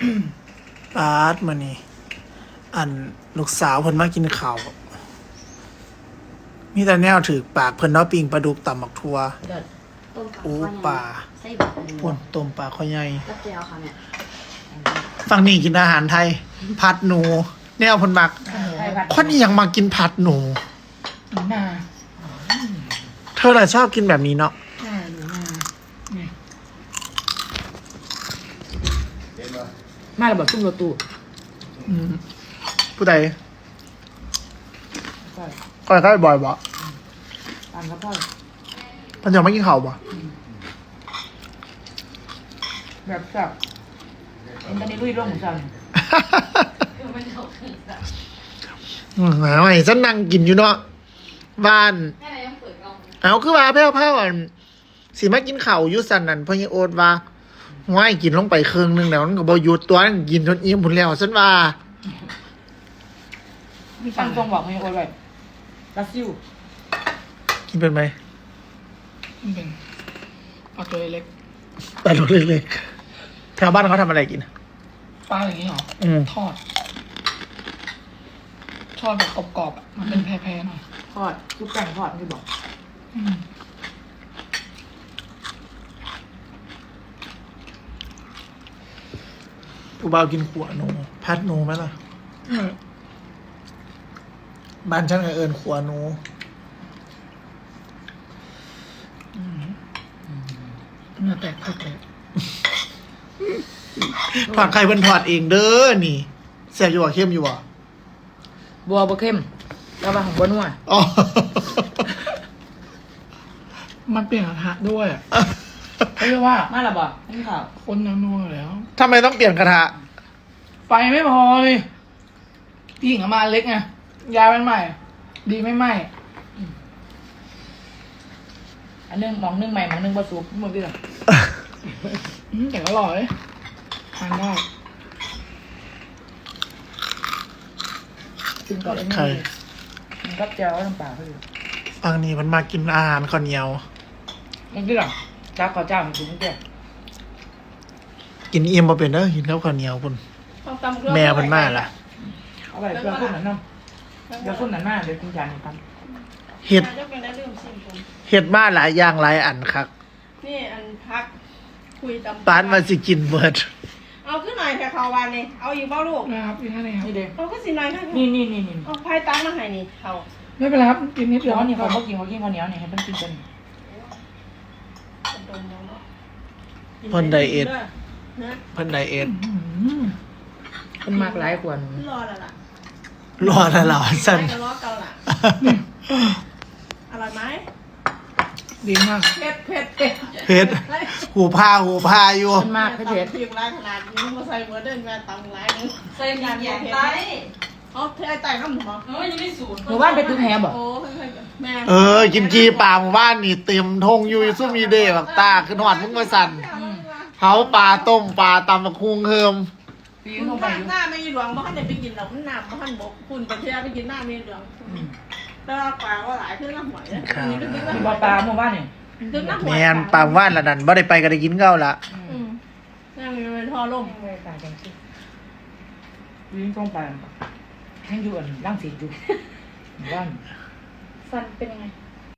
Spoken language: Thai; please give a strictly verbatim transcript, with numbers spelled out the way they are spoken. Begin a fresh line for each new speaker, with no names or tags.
ปาดมานี่อันลูกสาวเพิ่นมากินข้าวมีแต่แนวถือปากเพิ่นเนาะปิ้งปลาดุกตำบักทั่ว
เลิศ
ต้ม
โอ้
ปลา
ปลา
ไส้บักหมู
ป่นต้มปลาข้อใหญ่
กับเจียวค่ะเนี่ย
ฝั่งนี้กินอาหารไทย ผัดหนู แนวเพิ่นมัก
ไทยผัด
คนนี้ยังมากินผัดหนู
หนูนา
เธอน่ะชอบกินแบบนี้เนาะ
ใช่หนูนานี่มาระเบิดตุ้มรถตู้
อืมผู้ใด
ก็
ก็ใกล้บ่อยบ่
ตามครับพ่อ
เพิ่นยังไม่กินข้าวบ่
แบบแบบเอ็นตอนนี้ลุยร่วงหมูสัน
อืมหน่อยฉันนั่งกินอยู่เนาะบ้าน
แม่ไหนยังเปิดกล้อง
เอาคือว่าแพ้วๆอันสิมากินข้าวอยู่สั่นนั่นเพิ่นยังโอดว่าง่ายกินลงไปครึ่งหนึงแล้วมันก็บ่หยุดตัวนั้นกินจนอิ่มพุ่นแล้วฉันว่า
มีฟังตรงบอกให้โอ้ยแบบรัสซิว
กินเป็นไหม
เป็นเอาตัวเล็ก
ปลาลูกเล็กๆแถวบ้านเขาทำอะไรกิน
ปลาอย่างนี้หรอ
อืม
ทอด ทอดแบบกรอบๆอ่ะมันเป็นแพรๆหน่อยทอดคือแป้งทอดที่บอกอืม
ผู้บ่าวกินขัวหนูพัดหนูไหมล่ะ
อืม
บ้านฉันก็เอิญขัวหนู
เนื้อแตกผักเลย
ถอดไข่เพิ่นถอดเองเด้อนี่แซ่บอยู่บ่เข้มอยู่บ่
บัวบัวเข้มแล้วมาของบัวนัว
อ๋อ
มันเปลี่ยนกระทะด้วยเขาเรียกว่ามาละบ่นี่ค่ะคนยังนัวแล้ว
ทำไมต้องเปลี่ยนกระทะ
ไฟไม่พอเลยพี่หญิงเอามาเล็กไงยายมันใหม่ ดีไม่ไหมอันนึงมองนึงใหม่มองนึงผสมหมดเลยแต่อร่อยทานได้กินกับ
ไข่
มันก็เจียวน้ำปลาเขาอยู่
ฟังนี่มันมากินอาหารข้าวเหนียว
มันกินหรอจ้าขอเจ้ามันกินเจ้า
กินเอี่ยมบ่เป็นเด้อกินข้าวข้าวเหนียวพุ่นแม่เพิ่นมาล่ะ
เอาไปเพื่อคนนั้นน้ำเดี๋ยวคนนั้นมาเดี๋ยวกินจานนี้กัน
เฮ็ด
จะเป็นได้ลืมชิมผม
เฮ็ดมาหลายอย่างหลายอันคัก
นี่อันพักคุยตำ
ปานว่าสิกินเบิด
เอาขึ้นหน่อยแค่เขาวานนี่เอาอยู่เบ้าลูก
นะครับอีกท่านนึงครับนี่เด็ก
เอาขึ้นสิหน่อยค่ะ
นี่นี่นี่นี่
เอาไพ่ตั้งมาให้นี่เขา
ไม่เป็นไรครับกินนิดเดียวนี่เขาเขากินเขากินข้าวเหนียวนี่ให้มันกินกัน
ดมแล้วเนาะ
เพิ่นไดเอท
นะ
เพิ่นไดเอท
มันมากหลายขวด
รอแล้วล่ะ
รอแล้วล่ะซั่น
ไปรอเกาล่ะอร่อยไหม
ดีมาก
เผ็ดเผ็ดเผ็ด
เฮ็ดหูพาหูพาอยู่
มันมากให้เผ็ด
ตำพริกไรขนาดนี้มาใส่เบอร์เดินแม่ตำไรนึง
ใส่หยาดหยาดไต
เขาเทไต่ข้ามหัว
เฮ้ยยังไม่สูตร
หมู่บ้านไปตื้อแฮบอก
โอ้เฮ้ยแม่
เออ กินกีปลาหมู่บ้านนี่เต็มทงอยู่ซุ่มมีเดบักตาขึ้นหอดมึงมาสั่นเผาปลาต้มปลาตำบักคุงเฮิม
ปี
คุณ
เข้าไป
ข้าง
อยู่
หน้าไม่หลวงบ้านเด็ไปกินหรอกมันหนามบ้านบกคุณประเทศไปกินหน้าไม่หลวงแต่ว่าปลาว่าหลายขึ้นน้ำหอยนี่ก็ขึ้นน้ำห
บ่
อย
ปลาหมู่บ้านนี่
ขึ้นน้ำห
แม
อย
นปลาหมู่บ้านละนั่นบ่ได้ไปก็ได้กินเก้าละ
อืมนั่นเป็นท่อลม
ปลาจังสิวิ่งตรงไปให้อยู่อันร่างสีอยู่หมู่บ้าน
ฟันเป็นยังไง